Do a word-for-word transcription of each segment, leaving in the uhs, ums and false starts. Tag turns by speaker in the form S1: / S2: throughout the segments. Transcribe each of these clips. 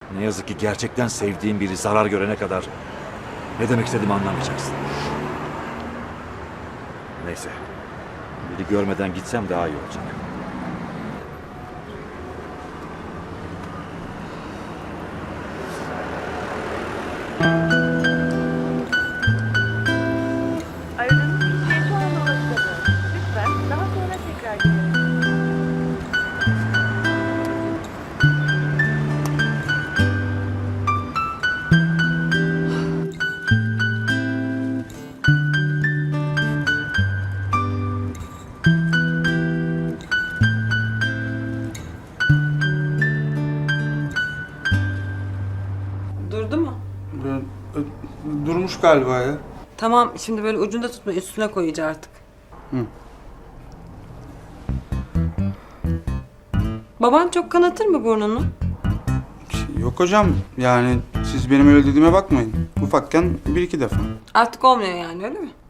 S1: Ne yazık ki gerçekten sevdiğin biri zarar görene kadar ne demek istediğimi anlamayacaksın. Neyse. Biri görmeden gitsem daha iyi olacak.
S2: Aradığınız kişiye şu anda ulaşılamıyor. Lütfen daha sonra tekrar edin.
S3: Durdu mu?
S4: Ee, e, Durmuş galiba ya.
S3: Tamam, şimdi böyle ucunda tutma, üstüne koyacağız artık.
S4: Hı.
S3: Baban çok kanatır mı burnunu?
S4: Yok hocam, yani siz benim öyle dediğime bakmayın. Ufakken bir iki defa.
S3: Artık olmuyor yani, öyle mi?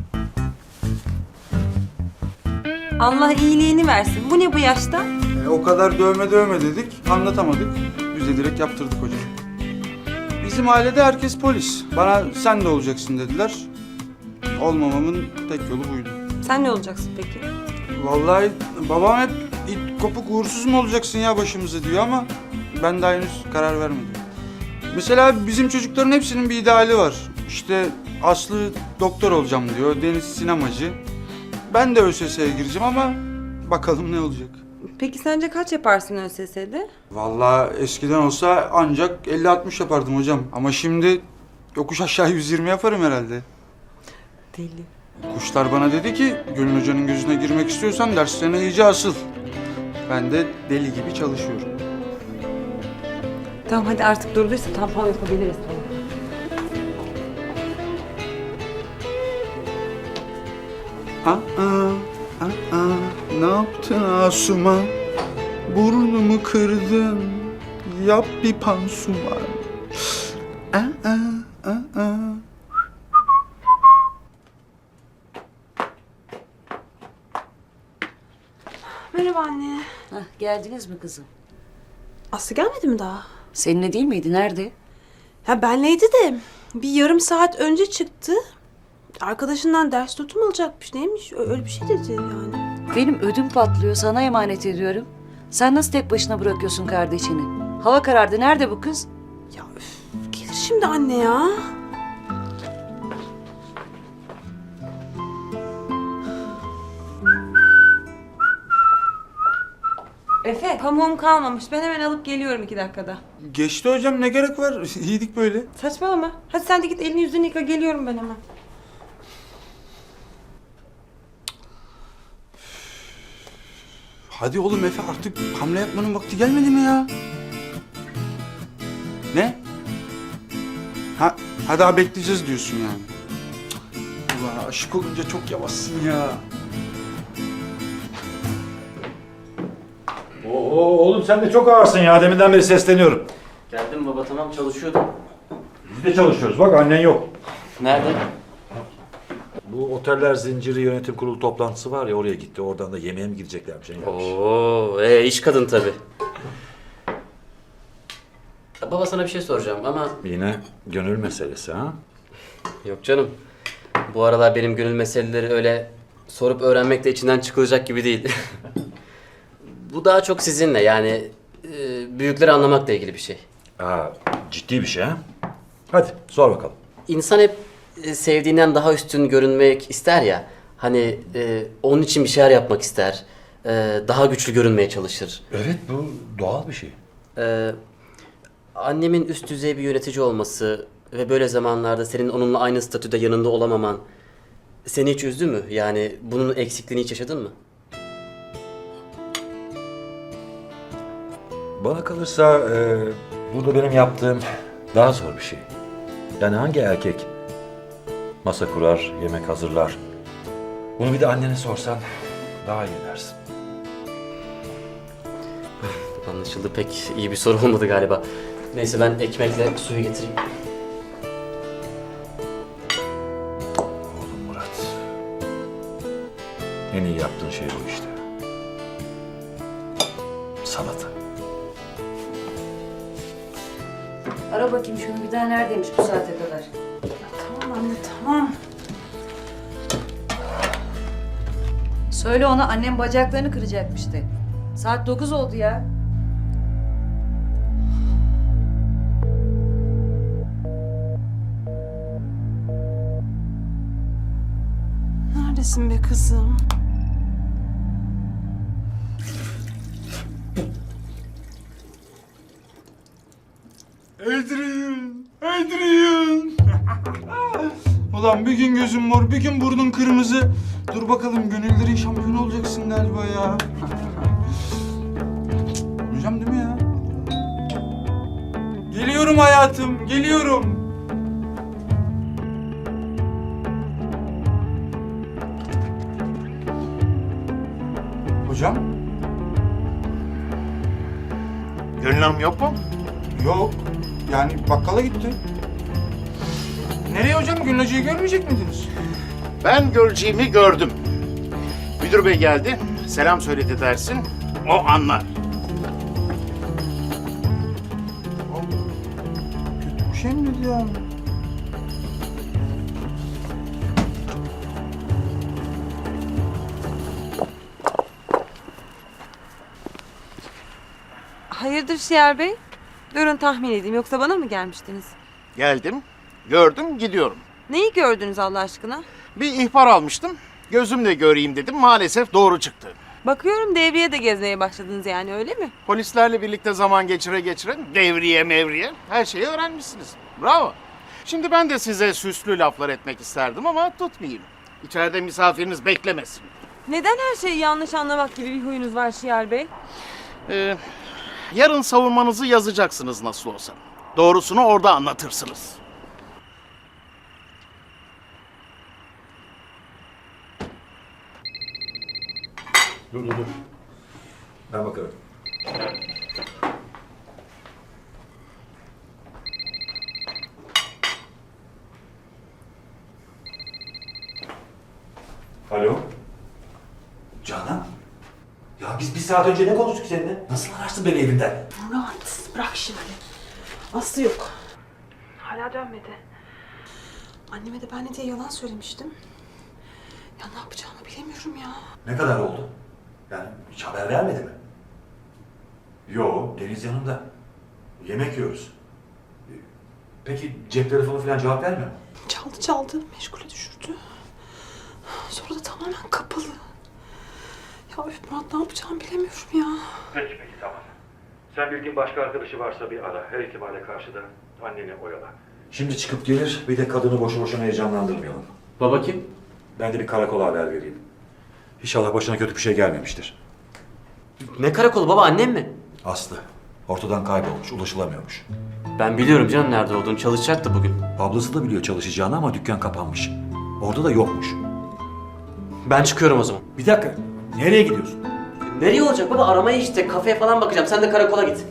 S3: Allah iyiliğini versin. Bu ne bu yaşta?
S4: E, o kadar dövme dövme dedik, anlatamadık. Biz de direkt yaptırdık hocam. Bizim ailede herkes polis. Bana sen de olacaksın dediler. Olmamamın tek yolu buydu.
S3: Sen ne olacaksın peki?
S4: Vallahi babam hep it kopuk uğursuz mu olacaksın ya başımıza diyor ama ben daha henüz karar vermedim. Mesela bizim çocukların hepsinin bir ideali var. İşte Aslı doktor olacağım diyor, Deniz sinemacı. Ben de ÖSS'ye gireceğim ama bakalım ne olacak.
S3: Peki sence kaç yaparsın ÖSS'de?
S4: Vallahi eskiden olsa ancak elli altmış yapardım hocam. Ama şimdi yokuş aşağı yüz yirmi yaparım herhalde.
S3: Deli.
S4: Kuşlar bana dedi ki, Gönül Hoca'nın gözüne girmek istiyorsan derslerine iyice asıl. Ben de deli gibi çalışıyorum.
S3: Tamam hadi artık durduysa tampon yapabiliriz. Tamam.
S4: Aa, aa, ne yaptın Asuman? Burnumu kırdın, yap bir pansuman. Aa, aa, aa.
S5: Merhaba anne.
S6: Hah, geldiniz mi kızım?
S5: Aslı gelmedi mi daha?
S6: Seninle değil miydi? Nerede?
S5: Ha benleydi de bir yarım saat önce çıktı. Arkadaşından ders notum alacakmış. Neymiş? Ö- Öyle bir şey dedi yani.
S6: Benim ödüm patlıyor. Sana emanet ediyorum. Sen nasıl tek başına bırakıyorsun kardeşini? Hava karardı. Nerede bu kız?
S5: Ya üf, gelir şimdi anne ya.
S3: Efe, pamuğum kalmamış. Ben hemen alıp geliyorum iki dakikada.
S4: Geçti hocam, ne gerek var? İyiydik böyle.
S3: Saçmalama. Hadi sen de git elini yüzünü yıka. Geliyorum ben hemen.
S4: Hadi oğlum Efe, artık hamle yapmanın vakti gelmedi mi ya? Ne? Ha, ha daha bekleyeceğiz diyorsun yani. Cık, ulan aşık olunca çok yavaşsın ya.
S1: Oo, oğlum sen de çok ağırsın ya. Deminden beri sesleniyorum.
S7: Geldim baba, tamam, çalışıyordum.
S1: Biz de çalışıyoruz. Bak annen yok.
S7: Nerede?
S1: Bu oteller zinciri yönetim kurulu toplantısı var ya, oraya gitti. Oradan da yemeğe mi gideceklermiş? Ne yapmış?
S7: Oo, e, iş kadın tabii. Baba, sana bir şey soracağım ama...
S1: Yine gönül meselesi ha?
S7: Yok canım. Bu aralar benim gönül meseleleri öyle sorup öğrenmekle içinden çıkılacak gibi değil. Bu daha çok sizinle, yani e, büyükleri anlamakla ilgili bir şey.
S1: Aa, ciddi bir şey ha? Hadi sor bakalım.
S7: İnsan hep e, sevdiğinden daha üstün görünmek ister ya. Hani e, onun için bir şeyler yapmak ister. E, daha güçlü görünmeye çalışır.
S1: Evet, bu doğal bir şey.
S7: Ee, annemin üst düzey bir yönetici olması ve böyle zamanlarda senin onunla aynı statüde yanında olamaman seni hiç üzdü mü? Yani bunun eksikliğini hiç yaşadın mı?
S1: Bana kalırsa e, burada benim yaptığım daha zor bir şey. Yani hangi erkek masa kurar, yemek hazırlar? Bunu bir de annene sorsan daha iyi dersin.
S7: Anlaşıldı, pek iyi bir soru olmadı galiba. Neyse, ben ekmekle suyu getireyim.
S1: Oğlum Murat, en iyi yaptığın şey bu işte. Salata.
S6: Ara bakayım şunu bir daha neredeymiş bu saate kadar.
S5: Tamam anne tamam.
S6: Söyle ona annem bacaklarını kıracakmıştı. Saat dokuz oldu ya.
S5: Neredesin be kızım?
S4: Adrian, Adrian. Ulan bir gün gözün mor, bir gün burnun kırmızı. Dur bakalım gönüllerin şampiyonu olacaksın galiba ya. Hocam değil mi ya? Geliyorum hayatım, geliyorum. Hocam?
S8: Gönül Hanım yok mu?
S4: Yok. Yani bakkala gitti. Nereye hocam? Gönül Hoca'yı görmeyecek miydiniz?
S8: Ben göreceğimi gördüm. Müdür bey geldi. Selam söyledi dersin. O anlar.
S4: Kötü bir şey mi dedi ya?
S3: Hayırdır Şiar Bey? Durun tahmin edeyim. Yoksa bana mı gelmiştiniz?
S8: Geldim, gördüm, gidiyorum.
S3: Neyi gördünüz Allah aşkına?
S8: Bir ihbar almıştım. Gözümle göreyim dedim. Maalesef doğru çıktı.
S3: Bakıyorum devriye de gezmeye başladınız yani öyle mi?
S8: Polislerle birlikte zaman geçire geçire, devriye mevriye her şeyi öğrenmişsiniz. Bravo. Şimdi ben de size süslü laflar etmek isterdim ama tutmayayım. İçeride misafiriniz beklemesin.
S3: Neden her şeyi yanlış anlamak gibi bir huyunuz var Şiar Bey?
S8: Ee, yarın savunmanızı yazacaksınız nasıl olsa. Doğrusunu orada anlatırsınız.
S1: Dur dur dur. Ben bakarım. Alo. Canan. Ya biz bir saat önce ne konuştuk seninle? Nasıl ararsın beni evinden?
S5: Murat bırak şimdi. Aslı yok. Hala dönmedi. Anneme de ben ne diye yalan söylemiştim. Ya ne yapacağımı bilemiyorum ya.
S1: Ne kadar oldu? Yani hiç haber vermedi mi? Yo, Deniz yanımda. Yemek yiyoruz. Peki cep telefonu falan cevap vermiyor mu?
S5: Çaldı çaldı, meşgule düşürdü. Sonra da tamamen kapalı. Ya üf Murat ne yapacağımı bilemiyorum ya.
S9: Peki peki tamam. Sen bildiğin başka arkadaşı varsa bir ara. Her ihtimale karşı da anneni oyala.
S1: Şimdi çıkıp gelir, bir de kadını boşu boşuna heyecanlandırmayalım.
S7: Baba kim?
S1: Ben de bir karakola haber vereyim. İnşallah başına kötü bir şey gelmemiştir.
S7: Ne karakolu baba, annem mi?
S1: Aslı, ortadan kaybolmuş, ulaşılamıyormuş.
S7: Ben biliyorum canım nerede olduğunu, çalışacaktı bugün.
S1: Ablası da biliyor çalışacağını ama dükkan kapanmış. Orada da yokmuş.
S7: Ben çıkıyorum o zaman.
S1: Bir dakika, nereye gidiyorsun?
S7: Nereye olacak baba, aramaya işte, kafeye falan bakacağım. Sen de karakola git.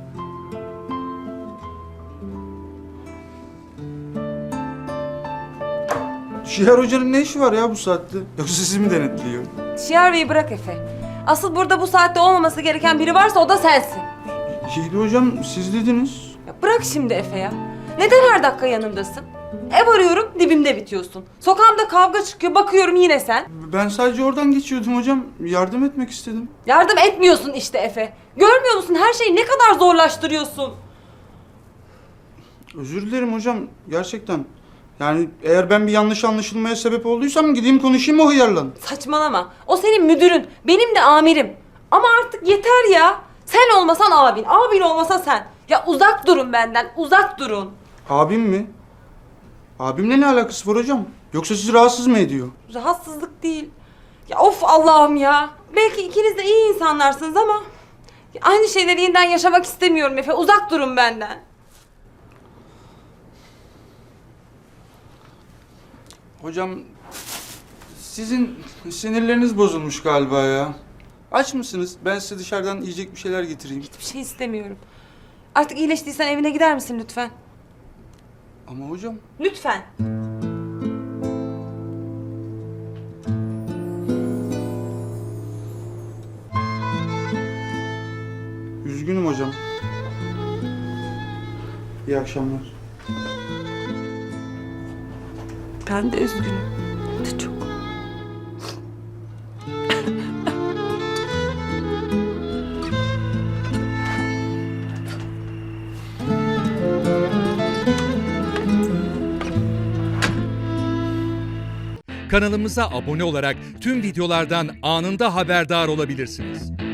S4: Şiher Hoca'nın ne işi var ya bu saatte? Yoksa sizi mi denetliyor?
S3: Şiar Bey'i bırak Efe. Asıl burada bu saatte olmaması gereken biri varsa o da sensin.
S4: Şeydi hocam siz dediniz.
S3: Ya bırak şimdi Efe ya. Neden her dakika yanımdasın? Ev arıyorum, dibimde bitiyorsun. Sokağımda kavga çıkıyor, bakıyorum yine sen.
S4: Ben sadece oradan geçiyordum hocam. Yardım etmek istedim.
S3: Yardım etmiyorsun işte Efe. Görmüyor musun her şeyi ne kadar zorlaştırıyorsun?
S4: Özür dilerim hocam. Gerçekten. Yani eğer ben bir yanlış anlaşılmaya sebep olduysam gideyim konuşayım o hıyarla.
S3: Saçmalama. O senin müdürün, benim de amirim. Ama artık yeter ya. Sen olmasan abin, abin olmasa sen. Ya uzak durun benden, uzak durun.
S4: Abim mi? Abimle ne alakası var hocam? Yoksa sizi rahatsız mı ediyor?
S3: Rahatsızlık değil. Ya of Allah'ım ya. Belki ikiniz de iyi insanlarsınız ama... Aynı şeyleri yeniden yaşamak istemiyorum Efe. Uzak durun benden.
S4: Hocam sizin sinirleriniz bozulmuş galiba ya. Aç mısınız? Ben size dışarıdan yiyecek bir şeyler getireyim.
S3: Hiçbir şey istemiyorum. Artık iyileştiysen evine gider misin lütfen?
S4: Ama hocam
S3: Lütfen.
S4: üzgünüm hocam. İyi akşamlar.
S5: Ben de üzgünüm. Hem de çok.
S10: Kanalımıza abone olarak tüm videolardan anında haberdar olabilirsiniz.